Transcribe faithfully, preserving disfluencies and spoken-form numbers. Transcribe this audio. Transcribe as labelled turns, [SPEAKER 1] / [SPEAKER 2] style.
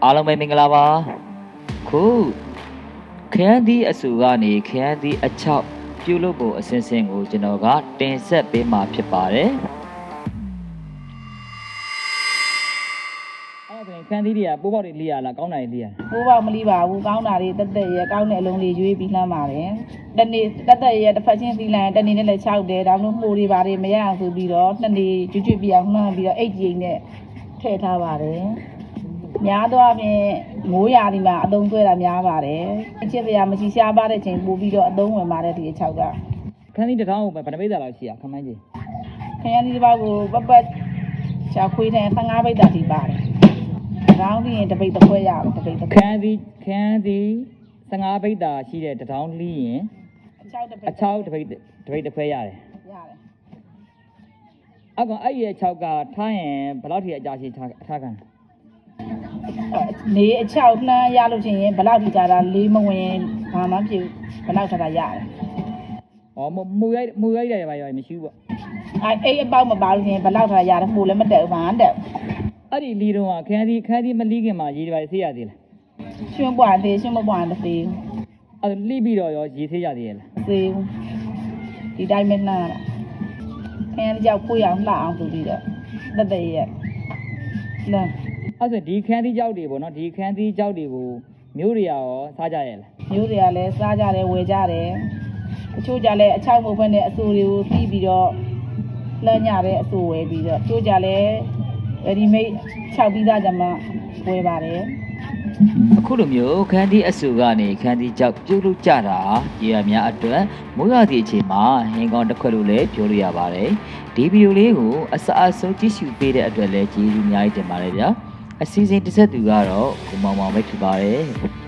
[SPEAKER 1] အားလုံးပဲမင်္ဂလာပါခုခရမ်းသီးအဆူကနေခရမ်းသီးအချောက်ပြုလုပ်ဖို့အစဉ်စဉ်ကိုကျွန်တော်ကတင်ဆက်ပေးမှာဖြစ်ပါတယ်အဲ့ဒါခရမ်းသီးတွေကပိုးပေါက်တွေလီးရလားကောင်းတာတွေလီးရလား
[SPEAKER 2] ပိုးပေါက်မလီးပါဘူးကောင်းတာတွေတက်တက်ရဲကောင်းတဲ့အလုံးလေးရွေးပြီးလှမ်းပါတယ်တနေ့တက်တက်ရဲတစ်ဖက်ချင်းသီးလန်တနေ့နဲ့လည်းခြောက်တယ်ဒါမှမဟုတ်မှုတွေပါတယ်မရအောင်ဆိုပြီးတော့နှစ်နေ့ကျွတ်ကျွတ်ပြအောင်လှမ်းပြီးတော့အိတ်ကြီးနဲ့ထည့်ထားပါတယ်များတော့ဖြင့်မိုးရာဒီမှာအသုံးသွဲတာများပါတယ်အချစ်တရားမရှိရှားပါတဲ့ချိန်ပို့ပြီးတော့အသုံးဝင်ပါတယ်ဒီအချောက်က
[SPEAKER 1] ခန်းသီးတစ်ထောင်ကိုဘယ်နှပိဿာလောက်ရှိရခမန်းကြီး
[SPEAKER 2] ခရမ်းသီးတစ်ပေါက်ကိုပပတ်ချာခွေးတဲ့၁၅ပိဿာထိပါတယ်တောင်းပြီးရင်တပိတ်တစ်ခွဲရအောင်တပိတ်တစ်ခွဲ
[SPEAKER 1] ခန်းသီးခန်းသီး၁၅ပိဿာရှိတဲ့တစ်ထောင်လီးရင်
[SPEAKER 2] အချောက်တစ်ပိတ်
[SPEAKER 1] အချောက်တစ်ပိတ်တစ်ပိတ်တစ်ခွဲရတယ်
[SPEAKER 2] ရတယ်
[SPEAKER 1] အကောင်အဲ့ရဲ့၆ကထားရင်ဘယ်လောက်ထိအကြာရှိထားထားခံ
[SPEAKER 2] နေအချောက်နှမ်းရလို့ချင်းရင်ဘယ်လောက်ထိကြာတာလေးမဝင်ဘာမှဖြစ်ဘယ်လောက်ထတာရတယ်
[SPEAKER 1] ။ဩမူရိုက်မူရိုက်တယ်ပါရောမရှိဘူးပေါ့
[SPEAKER 2] ။အဲအိတ်အပေါက်မပါလို့ချင်းဘယ်လောက်ထတာရတယ်မှုလည်းမတက်ဘူးဘာမှတက်
[SPEAKER 1] ။အဲ့ဒီလီတော့ခန်းသီးခန်းသီးမလီးခင်မှာရေတွေပါဆေးရသေးလား
[SPEAKER 2] ။ရွှွန့်ပွားသေးရွှွန့်မပွားသေးဘူး
[SPEAKER 1] ။အဲ့လီးပြီးတော့ရောရေဆေးရသေးရဲ့လား
[SPEAKER 2] ။သေးဘူး။ဒီတိုင်းမနှမ်းတာ။ခန်းသီးကြောက်ဖွေးအောင်လှအောင်ဆိုပြီးတော့တက်တက်ရဲ့။လဲ
[SPEAKER 1] အဲ့ဆိုဒီခန်းသီးကြောက်တွေပေါ့နော်ဒီခန်းသီးကြောက်တွေကိုမျိုးတွေရောစားကြရဲ့လား
[SPEAKER 2] မျိုးတွေကလည်းစားကြတယ်ဝယ်ကြတယ်အချို့ကြလည်းအချောက်မဖွင့်တဲ့အဆူတွေကိုပြီးပြီးတော့လှမ်းညတဲ့အဆူဝယ်ပြီးတော့ချို့ကြလည်းရဒီမိတ်ခြောက်ပြီးသားကြမှာဝယ်ပါတယ်
[SPEAKER 1] အခုလိုမျိုးခန်းသီးအဆူကနေခန်းသီးကြောက်ပြုတ်လို့ကြတာရေရများအတွက်မိုးရသည့်အချိန်မှာဟင်းကောင်းတစ်ခွက်လို့လည်းပြောလို့ရပါတယ်ဒီဗီဒီယိုလေးကိုအစအဆုံးကြည့်ရှုပေးတဲ့အတွက်လည်းကျေးဇူးအများကြီးတင်ပါတယ်ဗျာအစီအစဉ်တစ်ဆက်သူကတော့ကိုမောင်မောင်ပဲဖြစ်ပါတယ်